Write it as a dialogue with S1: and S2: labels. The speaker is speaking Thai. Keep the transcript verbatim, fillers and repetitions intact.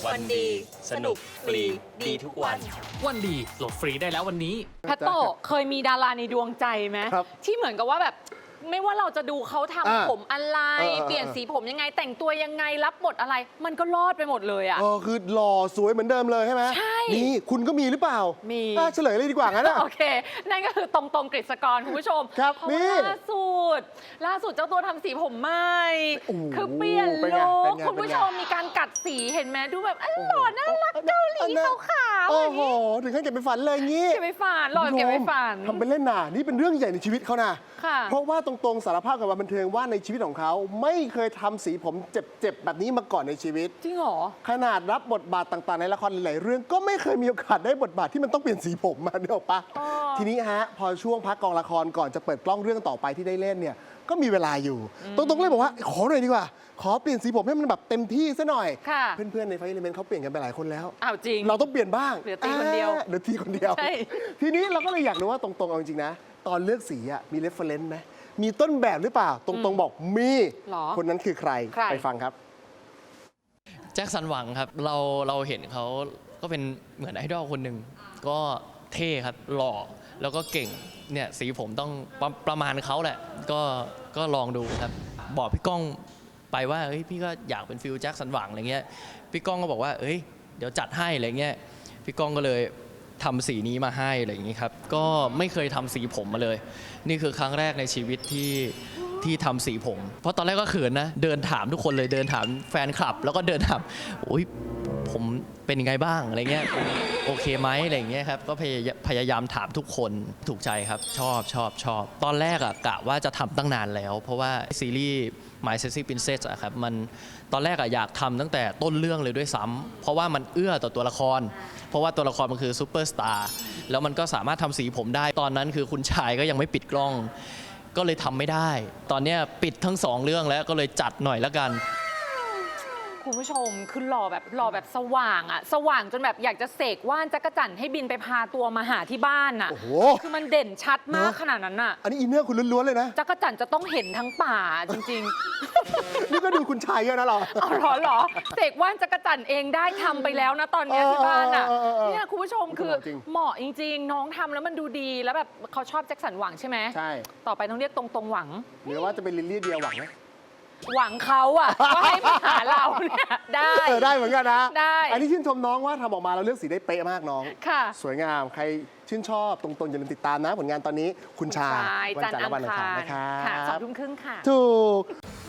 S1: วันดีสนุกฟรีดีทุกวัน
S2: วันดีโหลดฟรีได้แล้ววันนี้
S3: แพตโตเคยมีดาราในดวงใจไหมที่เหมือนกับว่าแบบไม่ว่าเราจะดูเขาทำผมอะไรเปลี่ยนสีผมยังไงแต่งตัวยังไงรับบทอะไรมันก็รอดไปหมดเลยอ่ะ
S1: เออคือหล่อสวยเหมือนเดิมเลยใช่ไหม
S3: ใช่
S1: นี่คุณก็มีหรือเปล่า
S3: มี
S1: เฉลยเลยดีกว่างั้นนะ
S3: โอเคนั่นก็คือตรงตรงกฤษกรคุณผู้ชม
S1: ครับ
S3: เพราะว่าล่าสุดล่าสุดเจ้าตัวทำสีผมใหม่คือเปลี่ยนลุคคุณผู้ชมมีการกัดสีเห็นไหมดูแบบอ๋อหล่อน่ารักเกาหลีขาวๆ
S1: โอ้โหถึงขั้นเก็บไปฝันเลยงี้
S3: เก็บไปฝันหล่อเก็บไปฝัน
S1: ทำเป็นเล่นน่ะนี่เป็นเรื่องใหญ่ในชีวิตเขานะเพราะว่าตรงๆสารภาพกับบันเทิงว่าในชีวิตของเขาไม่เคยทำสีผมเจ็บๆแบบนี้มาก่อนในชีวิต
S3: จริงเหรอ
S1: ขนาดรับบทบาทต่างๆในละครหลายๆเรื่องก็ไม่เคยมีโอกาสได้บทบาทที่มันต้องเปลี่ยนสีผมมาเนอะปะทีนี้ฮะพอช่วงพักกองละครก่อนจะเปิดกล้องเรื่องต่อไปที่ได้เล่นเนี่ยก็มีเวลาอยู่ตรงๆเลยบอกว่าขอหน่อยดีกว่าขอเปลี่ยนสีผมให้มันแบบเต็มที่ซะหน่อยเพื่อนๆในไฟเอลิเมนต์เขาเปลี่ยนกันไปหลายคนแล้ว
S3: อ้าวจริง
S1: เราต้องเปลี่ยนบ้าง
S3: เหลือตีคนเดียว
S1: เหลือตีคนเดียวทีนี้เราก็เลยอยากรู้ว่าตรงๆเอาจริงๆนะตอนเลือกสีอะมีเรฟเฟอเรนซ์ไหมมีต้นแบบหรือเปล่าตรงๆบอกมีคนนั้นคือใครไปฟังครับ
S4: แจ็คสันหวังครับเราเราเห็นเขาก็เป็นเหมือนไอดอลคนหนึ่งก็เท่ครับหล่อแล้วก็เก่งเนี่ยสีผมต้องประประมาณเขาแหละก็ก็ลองดูครับบอกพี่ก้องไปว่าเฮ้ยพี่ก็อยากเป็นฟิลแจ็คสันหวังอะไรเงี้ยพี่ก้องก็บอกว่าเอ้ยเดี๋ยวจัดให้อะไรเงี้ยพี่ก้องก็เลยทำสีนี้มาให้อะไรอย่างนี้ครับก็ไม่เคยทำสีผมมาเลยนี่คือครั้งแรกในชีวิตที่ที่ทำสีผมเพราะตอนแรกก็เขินนะเดินถามทุกคนเลยเดินถามแฟนคลับแล้วก็เดินถามโอ้ยผมเป็นยังไงบ้างอะไรเงี้ยโอเคไหมอะไรเงี้ยครับก็พยายามพยายามถามทุกคนถูกใจครับชอบชอบชอบตอนแรกอะกะว่าจะทำตั้งนานแล้วเพราะว่าซีรีส์ My Sexy Princess อะครับมันตอนแรกอะอยากทำตั้งแต่ต้นเรื่องเลยด้วยซ้ำเพราะว่ามันเอื้อต่อตัวละครเพราะว่าตัวละครมันคือซูเปอร์สตาร์แล้วมันก็สามารถทำสีผมได้ตอนนั้นคือคุณชายก็ยังไม่ปิดกล้องก็เลยทำไม่ได้ตอนนี้ปิดทั้งสองเรื่องแล้วก็เลยจัดหน่อยละกัน
S3: คุณผู้ชมคือหล่อแบบหล่อแบบสว่างอะสว่างจนแบบอยากจะเสกว่านจักรจั่นให้บินไปพาตัวมาหาที่บ้านอะ
S1: โอ้โห
S3: คือมันเด่นชัดมากขนาดนั้นอะ
S1: อันนี้อินเนอร์คุณล้วนๆเลยนะ
S3: จักรจั่นจะต้องเห็นทั้งป่าจริง
S1: ๆ นี่ก็ดูคุณชายเยอะนะเรา
S3: เอาหรอหรอเสกว่านจักรจั่นเองได้ทำไปแล้วนะตอนนี้ที่บ้านอะเนี่ยคุณผู้ชมคือเหมาะจริงๆน้องทำแล้วมันดูดีแล้วแบบเขาชอบแจ็คสันหวังใช่ไหม
S1: ใช่
S3: ต่อไปต้องเรียกตรงๆหวัง
S1: หรือว่าจะเป็นลิลลี่เดียหวังไหม
S3: หวังเขาอะว่าให้มาหาเราเนี่ยได้
S1: ได้เหมือนกันนะ
S3: ได้
S1: อันนี้ชื่นชมน้องว่าทำออกมาเราเลือกสีได้เป๊ะมากน้อง
S3: ค่ะ
S1: สวยงามใครชื่นชอบตรงๆอย่าลืมติดตามนะผลงานตอนนี้คุณชาย
S3: วันจันทร์และวันอังคาร
S1: นะครับ
S3: ค่ะสองทุ่มครึ่งค่ะ
S1: ถูก